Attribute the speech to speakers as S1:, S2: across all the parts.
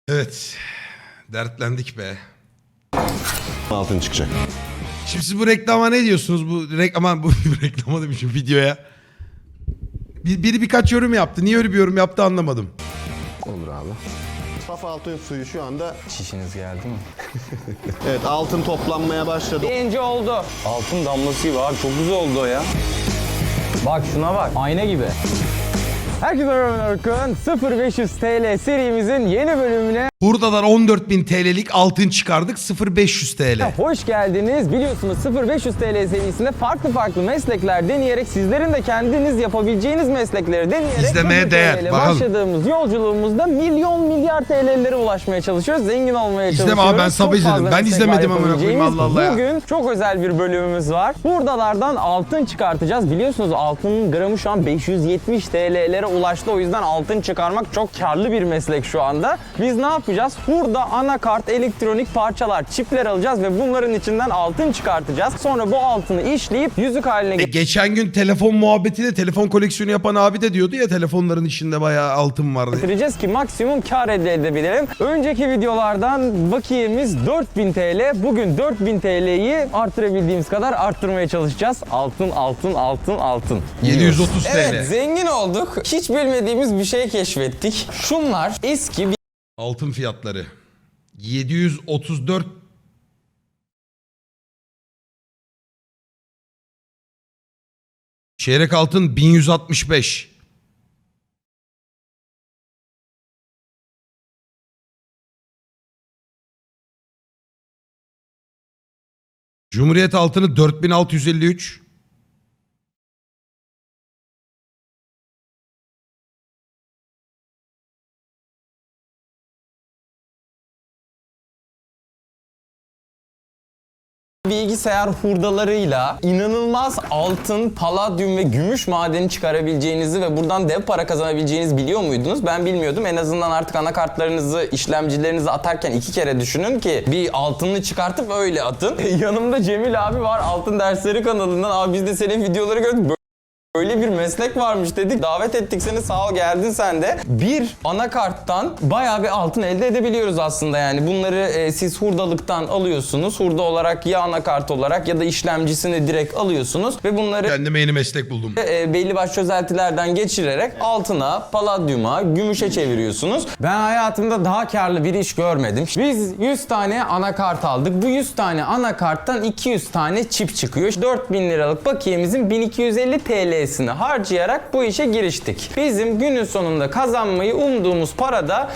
S1: Evet. Dertlendik be.
S2: Altın çıkacak.
S1: Şimdi siz bu reklama ne diyorsunuz? Bu reklama, bu reklama demişim, videoya. Biri birkaç yorum yaptı. Niye öyle bir yorum yaptı anlamadım.
S2: Olur abi. Saf altın suyu şu anda...
S3: Çişiniz geldi mi?
S2: Evet, altın toplanmaya başladı.
S3: Birinci oldu. Altın damlası gibi abi, çok güzel oldu o ya. Bak şuna bak, ayna gibi. Herkese merhaba Orkun. 0500 TL serimizin yeni bölümüne
S1: Hurda'dan 14.000 TL'lik altın çıkardık. 0500 TL.
S3: hoş geldiniz. Biliyorsunuz 0500 TL serisinde farklı meslekler deneyerek sizlerin de kendiniz yapabileceğiniz meslekleri deneyerek
S1: İzlemeye
S3: 0
S1: değer.
S3: TL
S1: Bakalım.
S3: başladığımız yolculuğumuzda milyar TL'lere ulaşmaya çalışıyoruz. Zengin olmaya
S1: İzleme
S3: çalışıyoruz.
S1: abi, ben sabah
S3: Çok
S1: izledim.
S3: fazla
S1: Ben
S3: meslek
S1: izlemedim
S3: var
S1: amına koyayım,
S3: yapabileceğimiz.
S1: Allah Allah ya.
S3: Bugün çok özel bir bölümümüz var. Hurdalardan altın çıkartacağız. Biliyorsunuz altının gramı şu an 570 TL'lere ulaştı. O yüzden altın çıkarmak çok karlı bir meslek şu anda. Biz ne yapacağız? Hurda, anakart, elektronik parçalar, çipler alacağız ve bunların içinden altın çıkartacağız. Sonra bu altını işleyip yüzük haline
S1: Geçen gün telefon muhabbetinde telefon koleksiyonu yapan abi de diyordu ya, telefonların içinde bayağı altın vardı.
S3: getireceğiz ki maksimum kar elde edebilelim. Önceki videolardan bakiyemiz 4000 TL. Bugün 4000 TL'yi arttırabildiğimiz kadar arttırmaya çalışacağız. Altın.
S1: 730 TL.
S3: Evet, zengin olduk. Hiç bilmediğimiz bir şey keşfettik. Şunlar eski bir
S1: Altın fiyatları. 734 çeyrek altın 1165. Cumhuriyet altını 4653.
S3: bilgisayar hurdalarıyla inanılmaz altın, paladyum ve gümüş madeni çıkarabileceğinizi ve buradan dev para kazanabileceğinizi biliyor muydunuz? Ben bilmiyordum. En azından artık anakartlarınızı, işlemcilerinizi atarken 2 kere düşünün ki bir altınını çıkartıp öyle atın. Yanımda Cemil abi var, Altın Dersleri kanalından. Abi biz de senin videoları gördük. Böyle bir meslek varmış dedik. Davet ettik seni, sağ ol geldin sen de. Bir anakarttan bayağı bir altın elde edebiliyoruz aslında yani. Bunları siz hurdalıktan alıyorsunuz. Hurda olarak ya anakart olarak ya da işlemcisini direkt alıyorsunuz. Ve bunları
S1: Kendime yeni meslek buldum.
S3: belli başlı çözeltilerden geçirerek altına, paladyuma, gümüşe çeviriyorsunuz. Ben hayatımda daha karlı bir iş görmedim. Biz 100 tane anakart aldık. Bu 100 tane anakarttan 200 tane çip çıkıyor. 4000 liralık bakiyemizin 1250 TL'sini harcayarak bu işe giriştik. Bizim günün sonunda kazanmayı umduğumuz para da...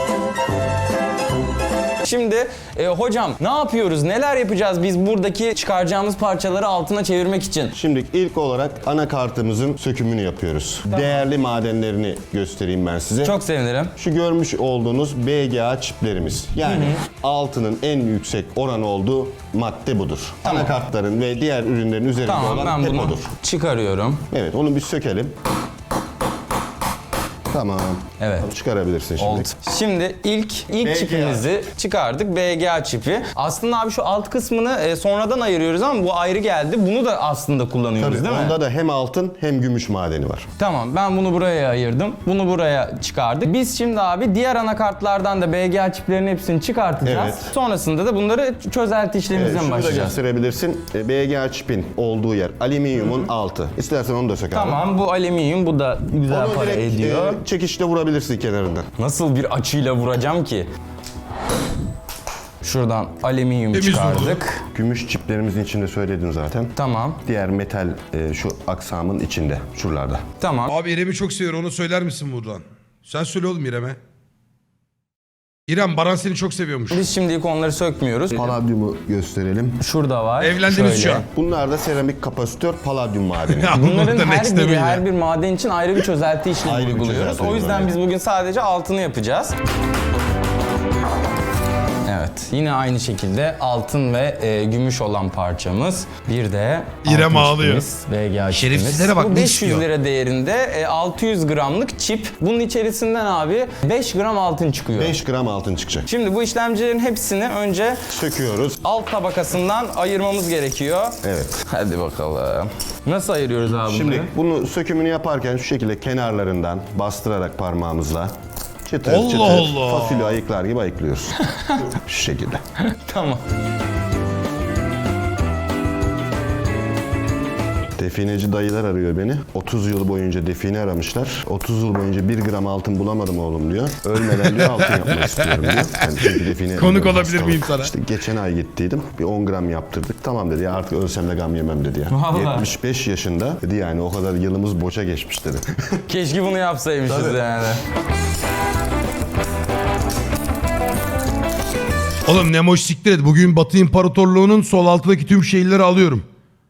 S3: Şimdi hocam ne yapıyoruz? Neler yapacağız biz buradaki çıkaracağımız parçaları altına çevirmek için?
S2: Şimdi ilk olarak anakartımızın sökümünü yapıyoruz. Değerli madenlerini göstereyim ben size.
S3: Çok sevinirim.
S2: Şu görmüş olduğunuz BGA çiplerimiz. Yani altının en yüksek oran olduğu madde budur.
S3: Tamam.
S2: Anakartların ve diğer ürünlerin üzerinde
S3: Tamam,
S2: olan
S3: ben
S2: hep
S3: bunu
S2: odur.
S3: çıkarıyorum.
S2: Evet, onu bir sökelim. Tamam.
S3: Evet.
S2: Çıkarabilirsin şimdi.
S3: Oldu. Şimdi ilk
S2: BGA.
S3: çipimizi çıkardık. BGA çipi. Aslında abi şu alt kısmını sonradan ayırıyoruz ama bu ayrı geldi. Bunu da aslında kullanıyoruz
S2: Tabii,
S3: değil mi?
S2: onda da hem altın hem gümüş madeni var.
S3: Tamam, ben bunu buraya ayırdım. Bunu buraya çıkardık. Biz şimdi abi diğer anakartlardan da BGA çiplerinin hepsini çıkartacağız.
S2: Evet.
S3: Sonrasında da bunları çözelti işlemimizden
S2: Şunu da
S3: başlayacağız.
S2: gösterebilirsin. BGA çipin olduğu yer alüminyumun altı. İstersen onu da sök abi.
S3: Tamam, bu alüminyum, bu da güzel
S2: Onu
S3: para
S2: direkt
S3: ediyor.
S2: çekişle vurabilirsin kenarından.
S3: Nasıl bir açıyla vuracağım ki? Şuradan alüminyum
S1: Temiz
S3: çıkardık.
S2: Gümüş çiplerimizin içinde söyledin zaten.
S3: Tamam.
S2: Diğer metal şu aksamın içinde, şuralarda.
S3: Tamam.
S1: Abi İrem'i çok seviyor, onu söyler misin buradan? Sen söyle oğlum İrem'e. İrem, Baran seni çok seviyormuş.
S3: Biz şimdilik onları sökmüyoruz.
S2: Paladyumu gösterelim.
S3: Şurada var.
S1: Evlendiniz şu an.
S2: Bunlar da seramik kapasitör paladyum madeni.
S1: Ya
S3: Bunların
S1: bunu da next level ya.
S3: her bir maden için ayrı bir çözelti işlemi
S2: Ayrı bir
S3: uyguluyoruz.
S2: çözelti
S3: O yüzden biz
S2: uyguluyor.
S3: bugün sadece altını yapacağız. Evet, yine aynı şekilde altın ve gümüş olan parçamız. Bir de
S1: İrem
S3: altın
S1: ağlıyor.
S3: çipimiz, BGA
S1: Şerefsizlere
S3: çipimiz.
S1: bak,
S3: Bu
S1: ne
S3: 500
S1: istiyor?
S3: lira değerinde 600 gramlık çip. Bunun içerisinden abi 5 gram altın çıkıyor.
S2: 5 gram altın çıkacak.
S3: Şimdi bu işlemcilerin hepsini önce
S2: Söküyoruz.
S3: alt tabakasından ayırmamız gerekiyor.
S2: Evet.
S3: Hadi bakalım. Nasıl ayırıyoruz abi
S2: Şimdi
S3: bunları?
S2: bunu sökümünü yaparken şu şekilde kenarlarından bastırarak parmağımızla Çıtır
S1: Allah
S2: çıtır
S1: Allah.
S2: fasulye ayıklar gibi ayıklıyoruz. Şu şekilde.
S3: Tamam.
S2: Defineci dayılar arıyor beni. 30 yıl boyunca define aramışlar. 30 yıl boyunca 1 gram altın bulamadım oğlum diyor. Ölmeden diyor altın yapmak istiyorum diyor. Yani çünkü define
S1: Konuk olabilir
S2: hastalık.
S1: miyim sana?
S2: İşte geçen ay gittiydim. Bir 10 gram yaptırdık. Tamam dedi ya, artık ölsem de gam yemem dedi ya.
S3: Vallahi.
S2: 75 yaşında dedi, yani o kadar yılımız boşa geçmiş dedi.
S3: Keşke bunu yapsaymışız yani.
S1: Oğlum Nemoş siktir et. Bugün Batı İmparatorluğu'nun sol altındaki tüm şehirleri alıyorum.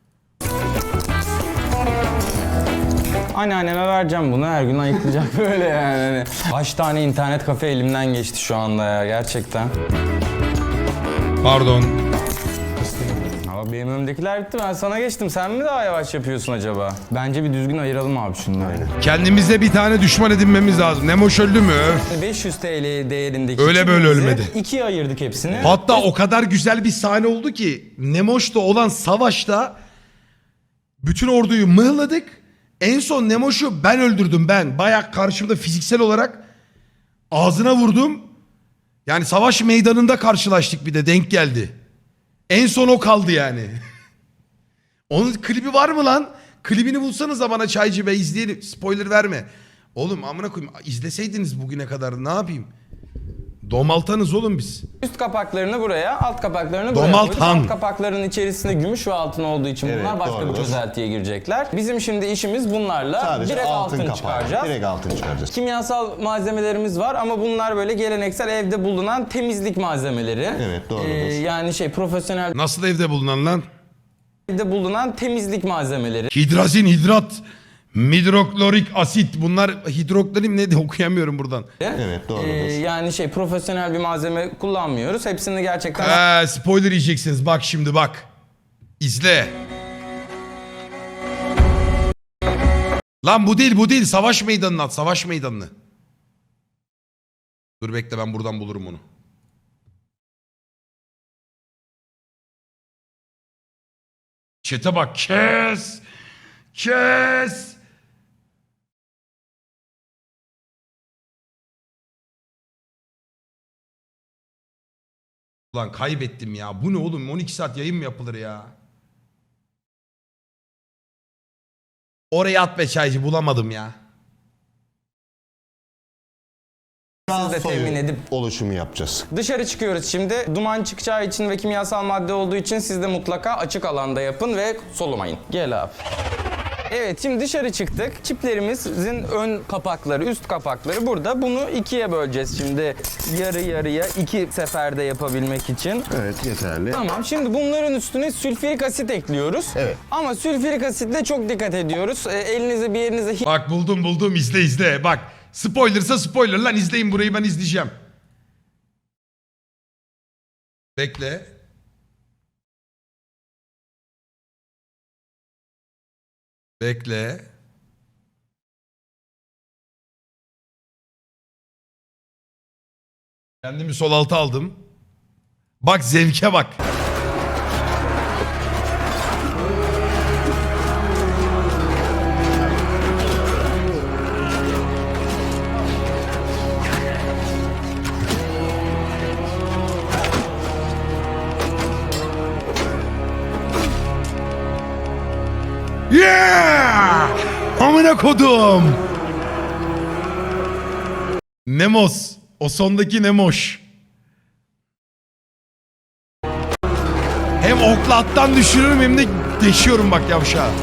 S3: Anneanneme vereceğim bunu, her gün ayıklayacak böyle yani. Hani kaç tane internet kafe elimden geçti şu anda ya gerçekten.
S1: Pardon.
S3: Ama benim önümdekiler bitti, ben sana geçtim. Sen mi daha yavaş yapıyorsun acaba? Bence bir düzgün ayıralım abi şunları.
S1: Kendimize bir tane düşman edinmemiz lazım. Nemoş öldü mü? Öf.
S3: 500 TL değerindeki
S1: Öyle böyle
S3: çiftimizi
S1: ölmedi.
S3: ikiye ayırdık hepsini.
S1: Hatta o kadar güzel bir sahne oldu ki Nemoş'ta olan savaşta bütün orduyu mıhladık. En son Nemoş'u ben öldürdüm ben. Bayağı karşımda fiziksel olarak ağzına vurdum. Yani savaş meydanında karşılaştık, bir de denk geldi. En son o kaldı yani. Onun klibi var mı lan? Klibini bulsanız da bana Çaycı Bey, izleyelim. Spoiler verme. Oğlum amına koyayım, izleseydiniz bugüne kadar ne yapayım? Domaltanız oğlum biz.
S3: Üst kapaklarını buraya, alt kapaklarını buraya
S1: Domaltan.
S3: koyduk. Alt kapakların içerisinde gümüş ve altın olduğu için
S2: Evet,
S3: bunlar başka bir
S2: doğrudur.
S3: çözeltiye girecekler. Bizim şimdi işimiz bunlarla
S2: Sadece
S3: direkt altın
S2: kapağı.
S3: çıkaracağız.
S2: Direkt altın çıkaracağız.
S3: Kimyasal malzemelerimiz var ama bunlar böyle geleneksel evde bulunan temizlik malzemeleri.
S2: Evet, doğrudur.
S3: Yani profesyonel
S1: Nasıl evde bulunan lan?
S3: evde bulunan temizlik malzemeleri.
S1: Hidrazin, hidrat, midroklorik asit. Bunlar hidroklorim ne de okuyamıyorum buradan.
S2: Evet, doğrudur.
S3: Yani profesyonel bir malzeme kullanmıyoruz. Hepsini gerçekten
S1: Spoiler yiyeceksiniz. Bak şimdi bak. İzle. Lan bu değil, bu değil. Savaş meydanını at. Savaş meydanını. Dur bekle, ben buradan bulurum onu. Çete bak. Kes. Kes. Ulan kaybettim ya. Bu ne oğlum? 12 saat yayın mı yapılır ya? Oraya at be Çaycı. Bulamadım ya.
S3: siz de temin edip
S2: Oluşumu yapacağız.
S3: dışarı çıkıyoruz şimdi. Duman çıkacağı için ve kimyasal madde olduğu için siz de mutlaka açık alanda yapın ve solumayın. Gel abi. Evet, şimdi dışarı çıktık. Çiplerimizin ön kapakları, üst kapakları burada. Bunu ikiye böleceğiz şimdi. Yarı yarıya, iki seferde yapabilmek için.
S2: Evet, yeterli.
S3: Tamam, şimdi bunların üstüne sülfürik asit ekliyoruz.
S2: Evet.
S3: Ama sülfürik asitle çok dikkat ediyoruz. Elinize bir yerinize
S1: Bak buldum. İzle izle. Bak. Spoilersa spoiler lan. İzleyin burayı, ben izleyeceğim. Bekle. Bekle. Kendimi sol alta aldım. Bak zevke bak. Yeah! Amına kodum. Nemos. O sondaki Nemoş. Hem okla attan düşürüyorum hem de deşiyorum bak yavşağı.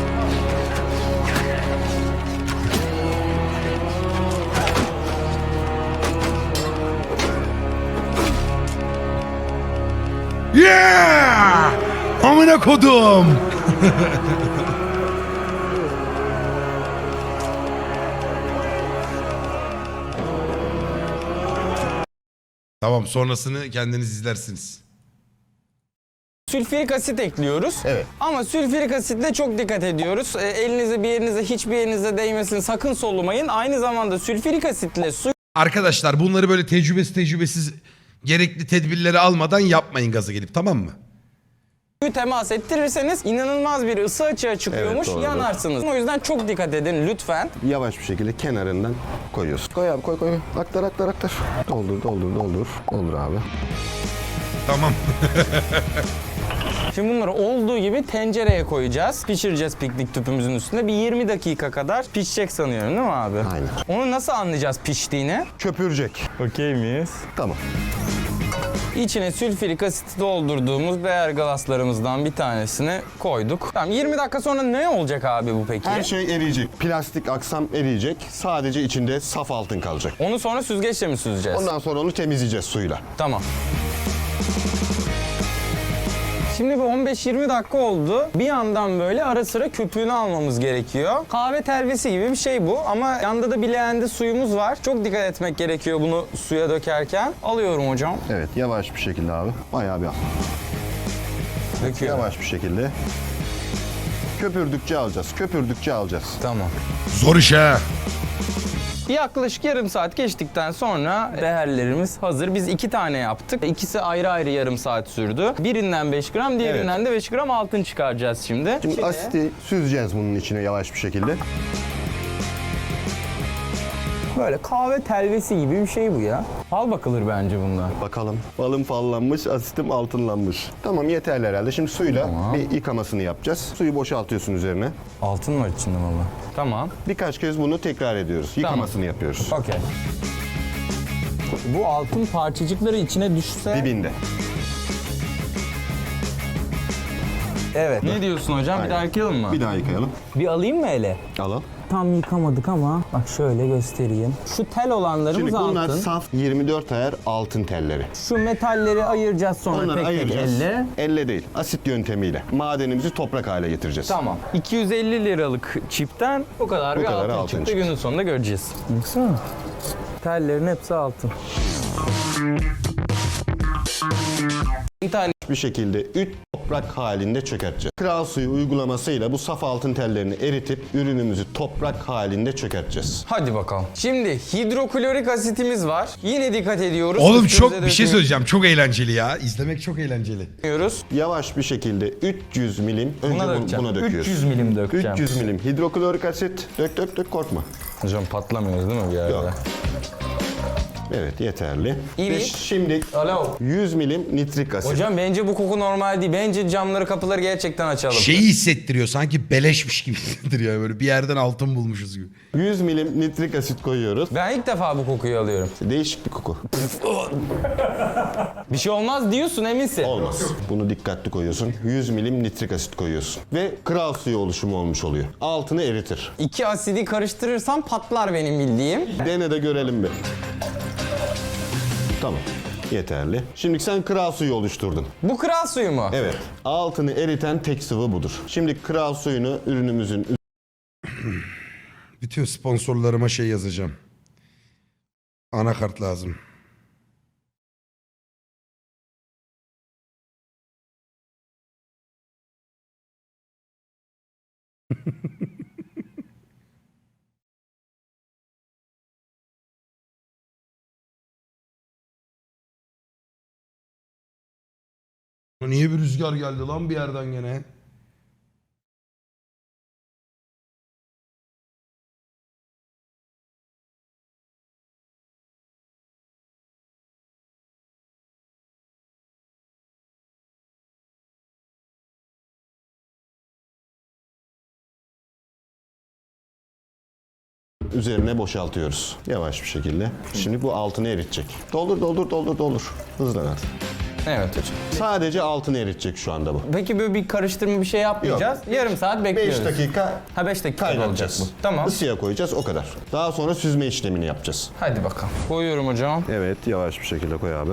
S1: Yeah! Amına kodum. Tamam, sonrasını kendiniz izlersiniz.
S3: sülfürik asit ekliyoruz.
S2: Evet.
S3: Ama sülfürik asitle çok dikkat ediyoruz. Elinize bir yerinize, hiçbir yerinize değmesin, sakın solumayın. Aynı zamanda sülfürik asitle su
S1: Arkadaşlar bunları böyle tecrübesiz gerekli tedbirleri almadan yapmayın gaza gelip, tamam mı?
S3: Suyu temas ettirirseniz inanılmaz bir ısı açığa çıkıyormuş,
S2: Evet, doğru.
S3: yanarsınız. O yüzden çok dikkat edin lütfen.
S2: Yavaş bir şekilde kenarından koyuyorsun. Koy abi koy. Aktar. Doldur. Doldur abi.
S1: Tamam.
S3: Şimdi bunları olduğu gibi tencereye koyacağız. Pişireceğiz piknik tüpümüzün üstünde. Bir 20 dakika kadar pişecek sanıyorum değil mi abi?
S2: Aynen.
S3: Onu nasıl anlayacağız piştiğini?
S2: Köpürecek.
S3: Okey miyiz?
S2: Tamam.
S3: İçine sülfürik asit doldurduğumuz beyer glaslarımızdan bir tanesini koyduk. Tamam 20 dakika sonra ne olacak abi bu peki?
S2: Her şey eriyecek. Plastik aksam eriyecek. Sadece içinde saf altın kalacak.
S3: Onu sonra süzgeçle mi süzeceğiz?
S2: Ondan sonra onu temizleyeceğiz suyla.
S3: Tamam. Şimdi bir 15-20 dakika oldu. Bir yandan böyle ara sıra köpüğünü almamız gerekiyor. Kahve telvesi gibi bir şey bu ama yanda da bir leğende suyumuz var. Çok dikkat etmek gerekiyor bunu suya dökerken. Alıyorum hocam.
S2: Evet yavaş bir şekilde abi. Bayağı bir al.
S3: Döküyorum.
S2: Yavaş bir şekilde. Köpürdükçe alacağız.
S3: Tamam.
S1: Zor iş ha.
S3: Yaklaşık yarım saat geçtikten sonra beherlerimiz hazır. Biz 2 tane yaptık. İkisi ayrı ayrı yarım saat sürdü. Birinden 5 gram, diğerinden de 5 gram altın çıkaracağız şimdi.
S2: Şimdi asiti süzeceğiz bunun içine yavaş bir şekilde.
S3: Böyle kahve telvesi gibi bir şey bu ya. Fal bakılır bence bundan.
S2: Bakalım. Balım fallanmış, asitim altınlanmış. Tamam yeterli herhalde. Şimdi suyla bir yıkamasını yapacağız. Suyu boşaltıyorsun üzerine.
S3: Altın var içinde baba. Tamam.
S2: Birkaç kez bunu tekrar ediyoruz. Yıkamasını yapıyoruz.
S3: Okey. Bu altın parçacıkları içine düşse...
S2: Dibinde.
S3: Evet. Ne diyorsun hocam? Bir
S2: Aynen.
S3: daha yıkayalım mı?
S2: Bir daha yıkayalım.
S3: Bir alayım mı ele?
S2: Al.
S3: Tam yıkamadık ama bak şöyle göstereyim. Şu tel olanlarımız
S2: Şimdi bunlar
S3: altın.
S2: saf 24 ayar altın telleri.
S3: Şu metalleri ayıracağız sonra
S2: Onları
S3: tek
S2: ayıracağız.
S3: tek elle.
S2: Elle değil, asit yöntemiyle. Madenimizi toprak hale getireceğiz.
S3: Tamam. 250 liralık çipten o kadar
S2: Bu
S3: bir
S2: kadar
S3: altın
S2: altın
S3: çıktı.
S2: çıktı.
S3: Günün sonunda göreceğiz. Baksana. Tellerin hepsi altın. Bir tane
S2: Bir şekilde üç toprak halinde çökerteceğiz. Kral suyu uygulamasıyla bu saf altın tellerini eritip ürünümüzü toprak halinde çökerteceğiz.
S3: hadi bakalım. Şimdi hidroklorik asitimiz var. Yine dikkat ediyoruz.
S1: Oğlum
S3: Üstümüze
S1: çok bir şey söyleyeceğim. Çok eğlenceli ya. İzlemek çok eğlenceli.
S3: dökmüyoruz.
S2: Yavaş bir şekilde 300 milim önce
S3: Buna dökeceğim.
S2: buna döküyoruz.
S3: 300 milim dökeceğim.
S2: 300 milim hidroklorik asit. Dök korkma.
S3: Hocam patlamıyoruz değil mi bir yerde?
S2: Yok. Evet yeterli.
S3: İyi.
S2: Ve şimdi
S3: Alo.
S2: 100 milim nitrik asit.
S3: Hocam bence bu koku normal değil. Bence camları kapıları gerçekten açalım.
S1: Şeyi hissettiriyor. Sanki beleşmiş gibi hissettiriyor. Böyle bir yerden altın bulmuşuz gibi.
S2: 100 milim nitrik asit koyuyoruz.
S3: Ben ilk defa bu kokuyu alıyorum.
S2: Değişik bir koku.
S3: Bir şey olmaz diyorsun eminsin.
S2: Olmaz. Bunu dikkatli koyuyorsun. 100 milim nitrik asit koyuyorsun. Ve kral suyu oluşumu olmuş oluyor. Altını eritir.
S3: 2 asidi karıştırırsam patlar benim bildiğim.
S2: Dene de görelim bir. Tamam. Yeterli. Şimdi sen kral suyu oluşturdun.
S3: Bu kral suyu mu?
S2: Evet. Altını eriten tek sıvı budur. Şimdi kral suyunu ürünümüzün
S1: Bütün sponsorlarıma şey yazacağım. Anakart lazım. Niye bir rüzgar geldi lan bir yerden gene?
S2: üzerine boşaltıyoruz. Yavaş bir şekilde. Şimdi bu altını eritecek. Doldur. Hızlan hadi.
S3: Evet hocam.
S2: Sadece altını eritecek şu anda bu.
S3: Peki böyle bir karıştırma bir şey yapmayacağız. Yarım saat
S2: 5
S3: bekliyoruz.
S2: dakika
S3: Ha 5 dakika olacak
S2: kaynatacağız.
S3: bu. Tamam.
S2: Isıya koyacağız o kadar. Daha sonra süzme işlemini yapacağız.
S3: Hadi bakalım. Koyuyorum hocam.
S2: Evet yavaş bir şekilde koy abi.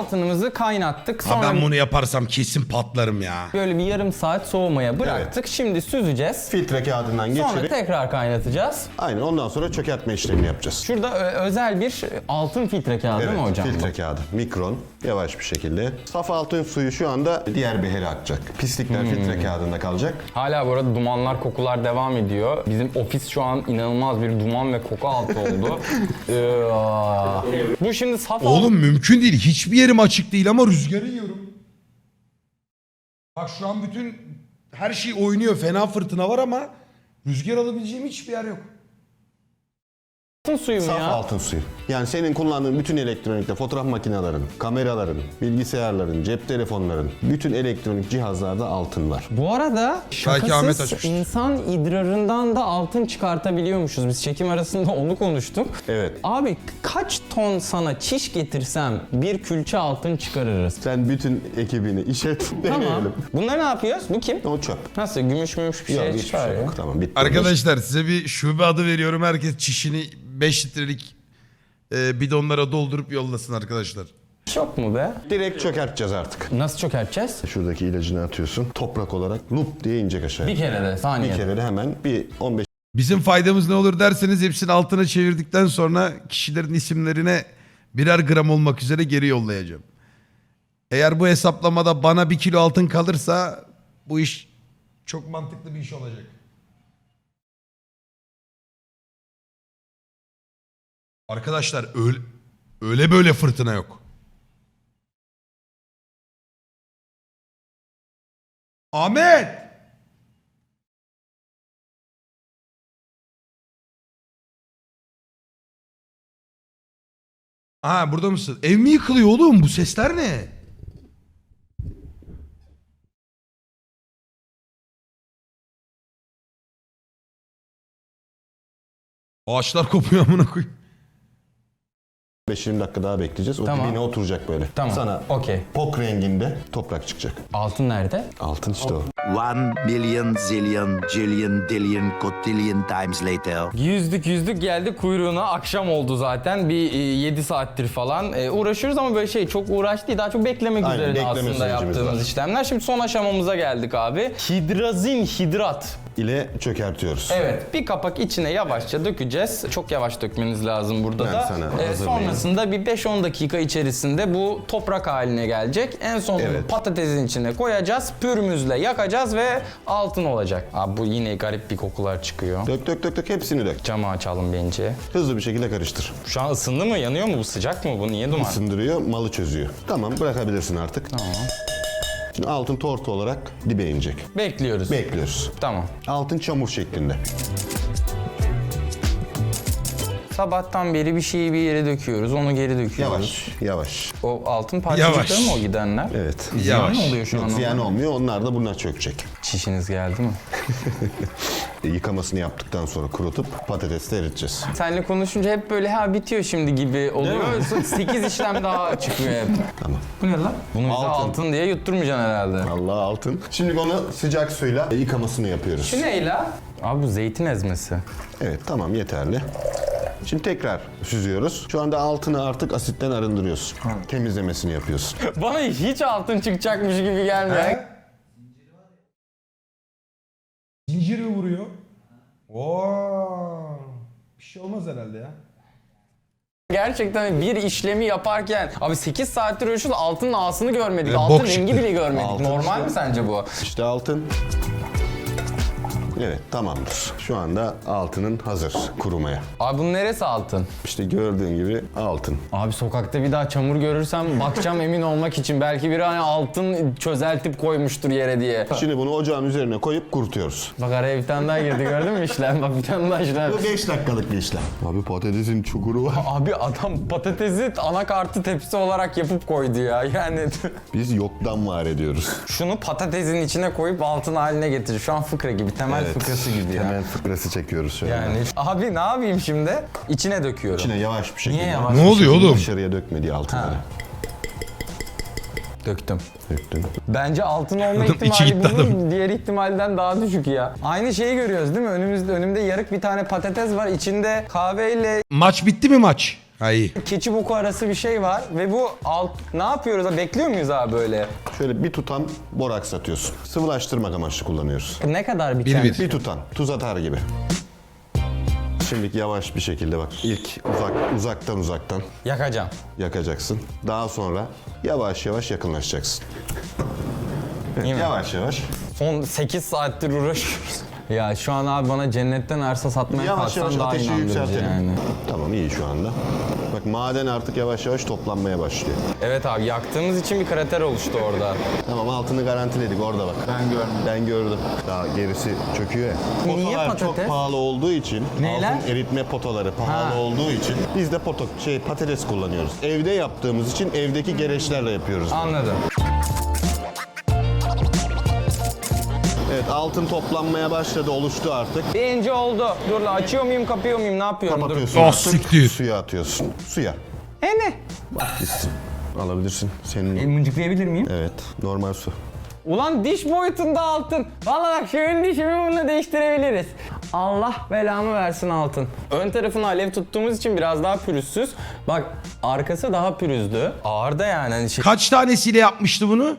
S3: altınımızı kaynattık.
S1: Ha,
S3: Sonra
S1: ben bunu yaparsam kesin patlarım ya.
S3: böyle bir yarım saat soğumaya bıraktık. Şimdi süzeceğiz.
S2: Filtre kağıdından
S3: Sonra
S2: geçirip
S3: tekrar kaynatacağız.
S2: aynen ondan sonra çökertme işlemini yapacağız.
S3: Şurada özel bir altın filtre kağıdı değil mi
S2: Evet,
S3: hocam?
S2: filtre kağıdı. Mikron. Yavaş bir şekilde. Saf altın suyu şu anda diğer behere akacak. Pislikler filtre kağıdında kalacak.
S3: Hala bu arada dumanlar, kokular devam ediyor. Bizim ofis şu an inanılmaz bir duman ve koku altı oldu. Bu şimdi saf
S1: Oğlum mümkün değil. Hiçbir yerim açık değil ama rüzgarı yiyorum. Bak şu an bütün her şey oynuyor. Fena fırtına var ama rüzgar alabileceğim hiçbir yer yok.
S3: altın suyu mu
S2: Saf
S3: ya?
S2: altın suyu. Yani senin kullandığın bütün elektronikte fotoğraf makinelerin, kameraların, bilgisayarların, cep telefonların, bütün elektronik cihazlarda altın var.
S3: Bu arada
S1: Belki Ahmet
S3: şakasız
S1: açmıştır.
S3: insan idrarından da altın çıkartabiliyormuşuz. Biz çekim arasında onu konuştuk.
S2: Evet.
S3: Abi kaç ton sana çiş getirsem bir külçe altın çıkarırız.
S2: Sen bütün ekibini işet,
S3: Tamam.
S2: deneyelim.
S3: Bunları ne yapıyoruz? Bu kim?
S2: O çöp.
S3: Nasıl gümüş bir
S2: Yok,
S3: şey
S2: hiçbir
S3: çıkar
S2: şey
S3: ya?
S2: yok. Tamam, bitti.
S1: Arkadaşlar size bir şube adı veriyorum. Herkes çişini 5 litrelik bidonlara doldurup yollasın arkadaşlar.
S3: Yok mu be?
S2: Direkt çökerteceğiz artık.
S3: Nasıl çökerteceğiz?
S2: Şuradaki ilacını atıyorsun. Toprak olarak lup diye inecek aşağıya.
S3: Bir kere de
S2: Bir
S3: saniye.
S2: kere de hemen bir 15
S1: Bizim faydamız ne olur derseniz hepsini altına çevirdikten sonra kişilerin isimlerine birer gram olmak üzere geri yollayacağım. Eğer bu hesaplamada bana 1 kilo altın kalırsa bu iş çok mantıklı bir iş olacak. Arkadaşlar öyle böyle fırtına yok. Ahmet! Ha burada mısın? Ev mi yıkılıyor oğlum? Bu sesler ne? Ağaçlar kopuyor amına koyayım.
S2: 5-20 dakika daha bekleyeceğiz. O
S3: Tamam.
S2: dibine oturacak böyle.
S3: Tamam.
S2: Sana
S3: Okey.
S2: pok renginde toprak çıkacak.
S3: Altın nerede?
S2: Altın işte o.
S4: 1 million zillion jillion dillion cotillion times later.
S3: Yüzdük geldi kuyruğuna, akşam oldu zaten bir 7 saattir falan uğraşıyoruz ama böyle şey çok uğraş değil, daha çok beklemek
S2: Aynen,
S3: üzerine
S2: bekleme
S3: aslında
S2: sürecimiz
S3: yaptığımız
S2: var.
S3: işlemler. Şimdi son aşamamıza geldik abi. Hidrazin hidrat.
S2: ile çökertiyoruz.
S3: Evet, bir kapak içine yavaşça dökeceğiz. Çok yavaş dökmeniz lazım burada
S2: Ben
S3: da.
S2: sana hazırlayayım.
S3: Sonrasında bir 5-10 dakika içerisinde bu toprak haline gelecek. En son
S2: Evet.
S3: patatesin içine koyacağız, pürmüzle yakacağız ve altın olacak. Abi bu yine garip bir kokular çıkıyor.
S2: Dök hepsini dök.
S3: Camı açalım bence.
S2: Hızlı bir şekilde karıştır.
S3: Şu an ısındı mı? Yanıyor mu? Bu sıcak mı? Bu niye duman?
S2: Isındırıyor, malı çözüyor. Tamam, bırakabilirsin artık.
S3: Tamam.
S2: Şimdi altın tortu olarak dibe inecek.
S3: Bekliyoruz.
S2: Bekliyoruz.
S3: Tamam.
S2: Altın çamur şeklinde.
S3: Sabahtan beri bir şeyi bir yere döküyoruz, onu geri döküyoruz.
S2: Yavaş, yavaş.
S3: O altın parçacıkları
S1: Yavaş.
S3: mı o gidenler?
S2: Evet.
S3: Ziyan
S1: Yavaş.
S3: mı oluyor şu an?
S2: Yok, ziyan olmuyor, onlar da buna çökecek.
S3: Çişiniz geldi mi?
S2: Yıkamasını yaptıktan sonra kurutup patatesle eriteceğiz.
S3: Seninle konuşunca hep böyle ha bitiyor şimdi gibi oluyor. 8 işlem daha çıkıyor hep.
S2: Tamam.
S3: Bu ne lan? Bunu bize
S2: Altın.
S3: altın diye yutturmayacaksın herhalde.
S2: Allah altın. Şimdi onu sıcak suyla yıkamasını yapıyoruz.
S3: Şu ne la? Abi bu zeytin ezmesi.
S2: Evet, tamam, yeterli. Şimdi tekrar süzüyoruz. Şu anda altını artık asitten arındırıyorsun. Temizlemesini yapıyorsun.
S3: Bana hiç altın çıkacakmış gibi gelmiyor.
S1: Zincir mi vuruyor? Oo. Bir şey olmaz herhalde ya.
S3: Gerçekten bir işlemi yaparken abi 8 saattir uğraşıyoruz altının ağasını görmedik.
S1: Bok
S3: Altın
S1: çıktı.
S3: rengi bile görmedik.
S2: Altın
S3: Normal
S2: işte.
S3: mi sence bu?
S2: İşte altın. Evet, tamamdır. Şu anda altının hazır kurumaya.
S3: Abi bunun neresi altın?
S2: İşte gördüğün gibi altın.
S3: Abi sokakta bir daha çamur görürsem bakacağım emin olmak için. Belki biri hani altın çözeltip koymuştur yere diye.
S2: Şimdi bunu ocağın üzerine koyup kurutuyoruz.
S3: Bak araya bir tane daha girdi gördün mü işlem? Bak bir tane daha işlem.
S2: Bu 5 dakikalık bir işlem. Abi patatesin çukuru var.
S3: Abi adam patatesi anakartı tepsi olarak yapıp koydu ya. Yani
S2: Biz yoktan var ediyoruz.
S3: şunu patatesin içine koyup altın haline getir. Şu an fıkra gibi, temel fıkrası gibi ya.
S2: Hemen fıkrası çekiyoruz şöyle.
S3: Yani abi ne yapayım şimdi? İçine döküyorum.
S2: İçine yavaş bir şekilde.
S3: Niye yavaş?
S1: Ne oluyor oğlum?
S2: Dışarıya dökmediği altınları.
S3: Döktüm.
S2: Döktün.
S3: Bence altın olma
S1: İçi
S3: ihtimali
S1: gitti
S3: bunun diğer ihtimalden daha düşük ya. Aynı şeyi görüyoruz değil mi? Önümde yarık bir tane patates var. İçinde kahveyle
S1: Maç bitti mi maç? Hayır.
S3: keçi boku arası bir şey var ve bu ne yapıyoruz? Bekliyor muyuz abi böyle?
S2: Şöyle bir tutam boraks atıyorsun. Sıvılaştırmak amaçlı kullanıyoruz.
S3: Ne kadar bir
S1: Bir
S3: tane?
S1: bir.
S2: Bir tutam. Tuz atar gibi. Şimdi yavaş bir şekilde bak. İlk uzaktan
S3: Yakacağım.
S2: yakacaksın. Daha sonra yavaş yavaş yakınlaşacaksın.
S3: Değil mi?
S2: Yavaş yavaş.
S3: Son 8 saattir uğraşıyoruz. Ya şu an abi bana cennetten arsa satmaya
S2: Yavaş yavaş
S3: kalksan daha
S2: ateşi
S3: inandırıcı
S2: yükseltelim.
S3: yani.
S2: Tamam iyi şu anda. Bak maden artık yavaş yavaş toplanmaya başlıyor.
S3: Evet abi yaktığımız için bir krater oluştu orada.
S2: Tamam altını garantiledik orada bak. Ben gördüm. Daha gerisi çöküyor ya.
S3: Niye
S2: Potalar
S3: patates?
S2: çok pahalı olduğu için,
S3: Neyler?
S2: altın eritme potaları pahalı
S3: Ha.
S2: olduğu için biz de patates kullanıyoruz. Evde yaptığımız için evdeki gereçlerle yapıyoruz.
S3: Anladım.
S2: Evet altın toplanmaya başladı, oluştu artık.
S3: Birinci oldu. Dur la açıyor muyum kapıyor muyum ne yapıyorum?
S2: Kapatıyorsun
S1: Oh,
S2: artık.
S1: siktir.
S2: Suya atıyorsun. Suya.
S3: Dur. Ne?
S2: Gitsin. Alabilirsin. Senin.
S3: Mıncıklayabilir miyim?
S2: Evet. Normal su.
S3: Ulan diş boyutunda altın. Vallahi bak şu ön dişimi bununla değiştirebiliriz. Allah belamı versin altın. Ön tarafını alev tuttuğumuz için biraz daha pürüzsüz. Bak arkası daha pürüzlü. Ağır da yani. Hani
S1: Kaç tanesiyle yapmıştı bunu?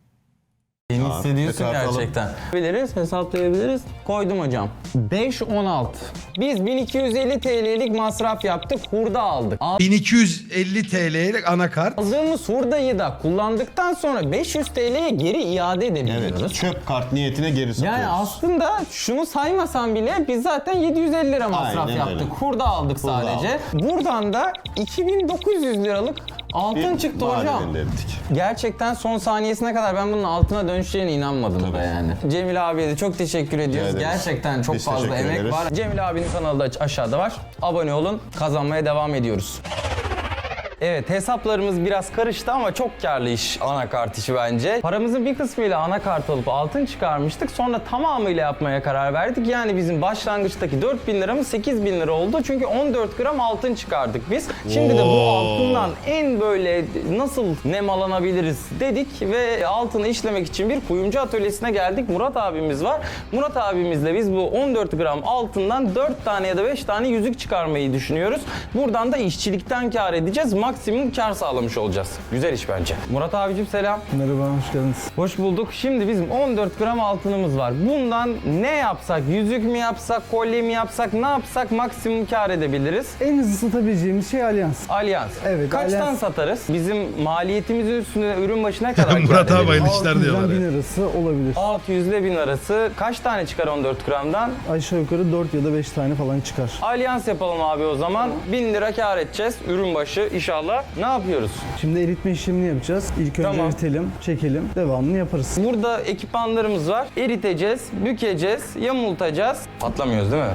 S3: Beni hissediyorsun
S2: Hesaplatalım.
S3: gerçekten. Biliriz, hesaplayabiliriz. Koydum hocam. 5-16. Biz 1250 TL'lik masraf yaptık, hurda aldık.
S1: 1250 TL'lik anakart.
S3: Aldığımız hurdayı da kullandıktan sonra 500 TL'ye geri iade edebiliyoruz.
S2: Evet. Çöp kart niyetine geri satıyoruz.
S3: Yani aslında şunu saymasam bile biz zaten 750 lira masraf
S2: Aynen
S3: yaptık.
S2: öyle.
S3: Hurda aldık sadece. Buradan da 2900 liralık altın çıktı hocam.
S2: maden elde ettik.
S3: Gerçekten son saniyesine kadar ben bunun altına dönüşeceğine inanmadım da yani. Cemil abiye de çok teşekkür ediyoruz.
S2: ederiz.
S3: Gerçekten çok
S2: Biz
S3: fazla
S2: teşekkür
S3: emek
S2: ederiz.
S3: var. Cemil abinin kanalı da aşağıda var. Abone olun. Kazanmaya devam ediyoruz. Evet hesaplarımız biraz karıştı ama çok karlı iş anakart işi bence. Paramızın bir kısmıyla anakart alıp altın çıkarmıştık. Sonra tamamıyla yapmaya karar verdik. Yani bizim başlangıçtaki 4000 liramız 8000 lira oldu. Çünkü 14 gram altın çıkardık biz. Şimdi de bu altından en böyle nasıl nemalanabiliriz dedik ve altını işlemek için bir kuyumcu atölyesine geldik. Murat abimiz var. Murat abimizle biz bu 14 gram altından 4 tane ya da 5 tane yüzük çıkarmayı düşünüyoruz. Buradan da işçilikten kar edeceğiz. Maksimum kar sağlamış olacağız. Güzel iş bence. Murat abicim selam.
S5: Merhaba, hoş geldiniz.
S3: Hoş bulduk. Şimdi bizim 14 gram altınımız var. Bundan ne yapsak? Yüzük mü yapsak, kolye mi yapsak, ne yapsak maksimum kar edebiliriz?
S5: En hızlı satabileceğimiz şey Alyans.
S3: Alyans.
S5: Evet,
S3: Kaçtan
S5: Alyans.
S3: satarız? Bizim maliyetimizin üstüne ürün başına kadar kar
S1: Murat abi
S3: edebiliriz?
S1: bayıldı. İşler diyorlar
S5: 600'den
S1: ya.
S5: 1000 arası olabilir.
S3: 600 ile 1000 arası. Kaç tane çıkar 14 gramdan?
S5: Aşağı yukarı 4 ya da 5 tane falan çıkar.
S3: Alyans yapalım abi o zaman. 1000 lira kar edeceğiz. Ürün başı inşallah. Ne yapıyoruz?
S5: Şimdi eritme işlemini yapacağız. İlk önce
S3: Tamam.
S5: eritelim, çekelim, devamını yaparız.
S3: Burada ekipmanlarımız var. Eriteceğiz, bükeceğiz, yamultacağız. Patlamıyoruz değil mi?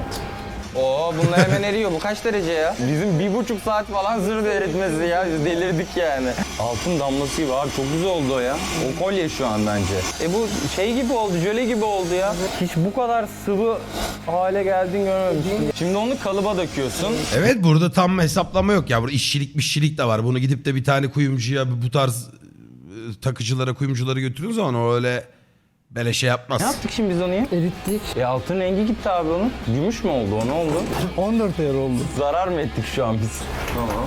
S3: Oo bunlar hemen eriyor. Bu kaç derece ya? Bizim 1,5 saat falan zırh eritmesi ya. Biz delirdik yani. Altın damlası gibi abi. Çok güzel oldu o ya. O kolye şu an bence. Bu şey gibi oldu, jöle gibi oldu ya. Hiç bu kadar sıvı hale geldiğini görmemiştim. Şimdi onu kalıba döküyorsun.
S1: Evet burada tam hesaplama yok ya. Burada işçilik de var. Bunu gidip de bir tane kuyumcuya bu tarz takıcılara, kuyumculara götürüyoruz zaman o öyle böyle şey yapmaz.
S3: Ne yaptık şimdi biz onu ya?
S5: Erittik.
S3: Altın rengi gitti abi onun. Gümüş mü oldu o ne oldu?
S5: 14 ayar oldu.
S3: Zarar mı ettik şu an biz? Tamam.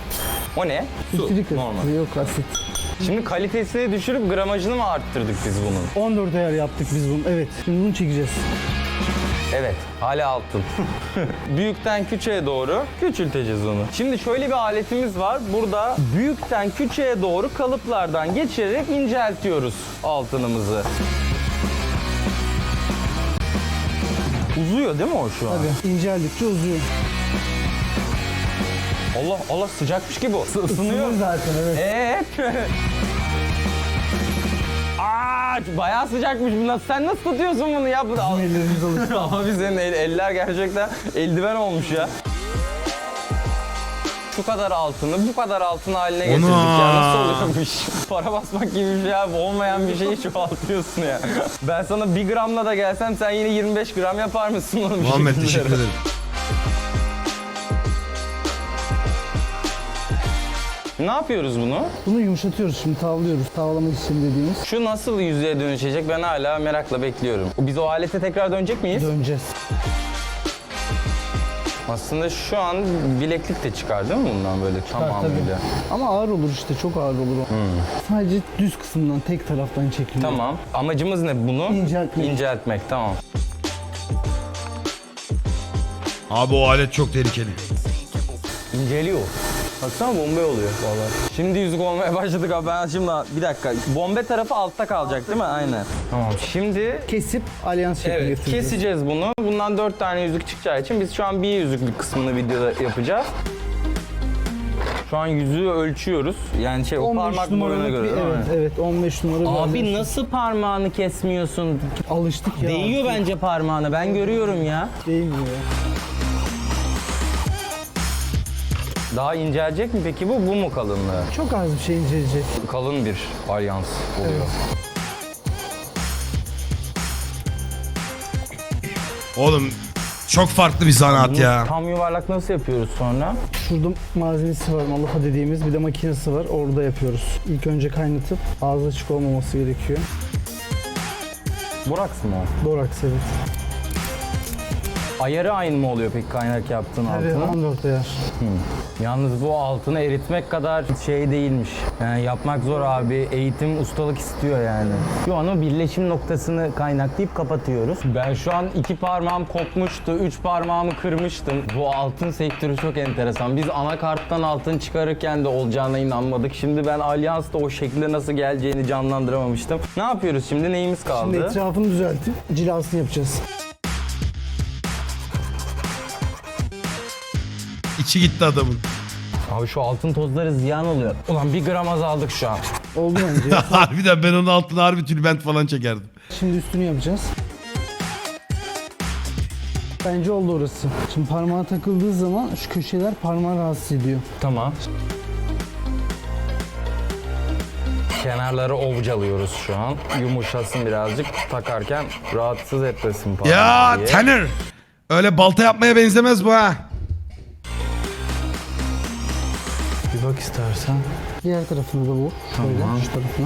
S3: O ne?
S5: Sitrik
S3: normal.
S5: asit. Yok asit.
S3: Şimdi kalitesini düşürüp gramajını mı arttırdık biz bunun?
S5: 14 ayar yaptık biz bunu. Evet. Şimdi bunu çekeceğiz.
S3: Evet, hala altın. Büyükten küçüğe doğru küçülteceğiz onu. Şimdi şöyle bir aletimiz var. Burada büyükten küçüğe doğru kalıplardan geçirerek inceltiyoruz altınımızı. Uzuyor değil mi o şu an?
S5: Tabii. İnceldikçe uzuyor.
S3: Allah Allah sıcakmış gibi o. Isınıyor.
S5: Isınıyor zaten evet.
S3: Evet. Bayağı sıcakmış bu. Sen nasıl tutuyorsun bunu ya?
S5: Bizim ellerimiz alıştı.
S3: Abi senin eller gerçekten eldiven olmuş ya. Şu kadar altını bu kadar altın haline getirdik ya. Nasıl oluyormuş? Para basmak gibi bir şey abi. Olmayan bir şeyi çoğaltıyorsun ya. Ben sana 1 gramla da gelsem sen yine 25 gram yapar mısın onu bir
S1: Muhammed
S3: şekilde?
S1: teşekkür ederim.
S3: Ne yapıyoruz bunu?
S5: Bunu yumuşatıyoruz şimdi, tavlıyoruz. Tavlama işlemi dediğimiz.
S3: Şu nasıl yüzeye dönüşecek ben hala merakla bekliyorum. Biz o alete tekrar dönecek miyiz?
S5: Döneceğiz.
S3: Aslında şu an bileklik de çıkar değil mi bundan böyle tamamıyla?
S5: Ama ağır olur işte, çok ağır olur o. Sadece düz kısımdan, tek taraftan çekiliyor.
S3: Tamam. Amacımız ne bunu?
S5: İnceltmek.
S3: İnceltmek, tamam.
S1: Abi o alet çok tehlikeli.
S3: İnceliyor. Baksana bombe oluyor vallahi. Şimdi yüzük olmaya başladık abi. Ben şimdi bir dakika. Bombe tarafı altta kalacak değil mi? Aynen. Tamam. Şimdi
S5: Kesip alyans şekli
S3: evet,
S5: getireceğiz.
S3: keseceğiz bunu. Bundan 4 tane yüzük çıkacağı için biz şu an bir yüzüklük kısmını videoda yapacağız. Şu an yüzüğü ölçüyoruz. Yani o
S5: 15
S3: parmak boyuna
S5: numaralık
S3: göre
S5: bir,
S3: değil mi?
S5: evet 15 numara bir
S3: Abi
S5: alyans.
S3: nasıl parmağını kesmiyorsun?
S5: Alıştık ya.
S3: Değiyor bence parmağına. Ben görüyorum ya.
S5: Değmiyor ya.
S3: Daha incelecek mi peki bu? Bu mu kalınlığı?
S5: Çok az bir şey inceleyecek.
S3: Kalın bir alyans oluyor.
S1: Oğlum çok farklı bir zanaat
S3: Bunu
S1: ya.
S3: tam yuvarlak nasıl yapıyoruz sonra?
S5: Şurada malzemesi var, malaha dediğimiz bir de makinesi var. Orada yapıyoruz. İlk önce kaynatıp ağzı açık olmaması gerekiyor.
S3: Boraks mı o?
S5: Boraks, evet.
S3: Ayarı aynı mı oluyor peki kaynak yaptığın
S5: Evet,
S3: altının?
S5: 14 ayar.
S3: Yalnız bu altını eritmek kadar şey değilmiş. Yani yapmak zor abi. Eğitim, ustalık istiyor yani. Şu an o birleşim noktasını kaynaklayıp kapatıyoruz. Ben şu an 2 parmağım kopmuştu, 3 parmağımı kırmıştım. Bu altın sektörü çok enteresan. Biz anakarttan altın çıkarırken de olacağına inanmadık. Şimdi ben alyansta o şekilde nasıl geleceğini canlandıramamıştım. Ne yapıyoruz şimdi? Neyimiz kaldı?
S5: Şimdi etrafını düzeltip cilasını yapacağız.
S1: İçi gitti adamın.
S3: Abi şu altın tozları ziyan oluyor. Ulan 1 gram azaldık şu an.
S5: Oldu bence.
S1: Harbiden ben onun altına harbi tülbent falan çekerdim.
S5: Şimdi üstünü yapacağız. Bence oldu orası. Şimdi parmağa takıldığı zaman şu köşeler parmağı rahatsız ediyor.
S3: Tamam. Kenarları ovcalıyoruz şu an. Yumuşasın birazcık. Takarken rahatsız etmesin parmağı
S1: Ya
S3: diye.
S1: Tanner. Öyle balta yapmaya benzemez bu ha.
S3: Bir bak istersen.
S5: Diğer tarafını da vur. Şöyle, şu tarafına.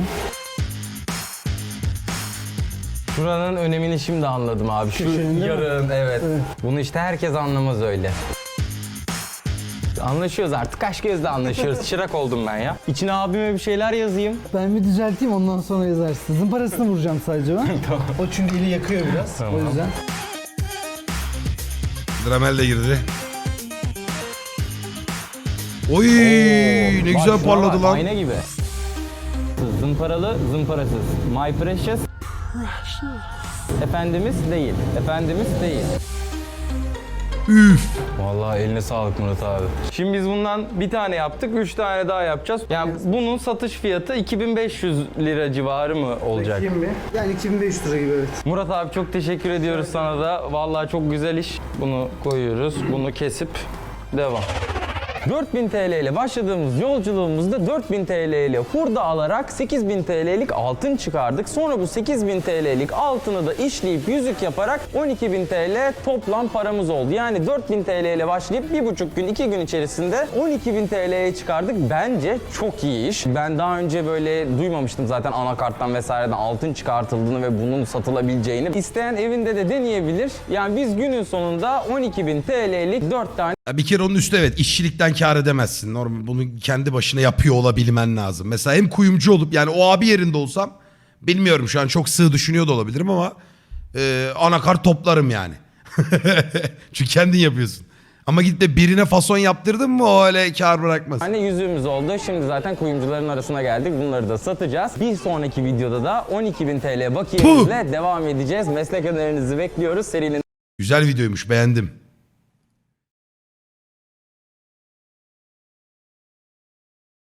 S3: Şuranın önemini şimdi anladım abi. Şu
S5: Köşenin değil mi?
S3: yarın evet.
S5: Evet.
S3: Bunu işte herkes anlamaz öyle. Anlaşıyoruz artık. Kaş gözle anlaşıyoruz. Çırak oldum ben ya. İçine abime bir şeyler yazayım.
S5: Ben bir düzelteyim, ondan sonra yazarsın. Zımparasını vuracağım sadece ben. O çünkü eli yakıyor biraz.
S3: Tamam.
S5: O yüzden.
S1: Dramel de girdi. Oy ne
S3: Bak
S1: güzel
S3: şuna
S1: parladı
S3: bak,
S1: lan.
S3: Ayna gibi. Zımparalı, zımparasız. My precious. Efendimiz değil. Efendimiz değil.
S1: Üf.
S3: Vallahi eline sağlık Murat abi. Şimdi biz bundan bir tane yaptık, 3 tane daha yapacağız. Yani bunun satış fiyatı 2500 lira civarı mı olacak?
S5: Yani 2500 lira gibi, evet.
S3: Murat abi çok teşekkür ediyoruz sana da. Vallahi çok güzel iş. Bunu koyuyoruz, bunu kesip devam. 4000 TL ile başladığımız yolculuğumuzda 4000 TL ile hurda alarak 8000 TL'lik altın çıkardık. Sonra bu 8000 TL'lik altını da işleyip yüzük yaparak 12.000 TL toplam paramız oldu. Yani 4000 TL ile başlayıp 1,5 gün 2 gün içerisinde 12.000 TL'ye çıkardık. Bence çok iyi iş. Ben daha önce böyle duymamıştım zaten anakarttan vesaireden altın çıkartıldığını ve bunun satılabileceğini. İsteyen evinde de deneyebilir. Yani biz günün sonunda 12.000 TL'lik 4 tane
S1: Ya bir kere onun üstü evet işçilikten kâr edemezsin. Normal bunu kendi başına yapıyor olabilmen lazım. Mesela hem kuyumcu olup yani o abi yerinde olsam bilmiyorum şu an çok sığ düşünüyor da olabilirim ama anakart toplarım yani. Çünkü kendin yapıyorsun. Ama gidip de birine fason yaptırdın mı o öyle kâr bırakmaz.
S3: Anne yüzüğümüz oldu. Şimdi zaten kuyumcuların arasına geldik. Bunları da satacağız. Bir sonraki videoda da 12.000 TL bakiyemizle devam edeceğiz. Meslek önerilerinizi bekliyoruz. Serinin
S1: Güzel videoymuş beğendim.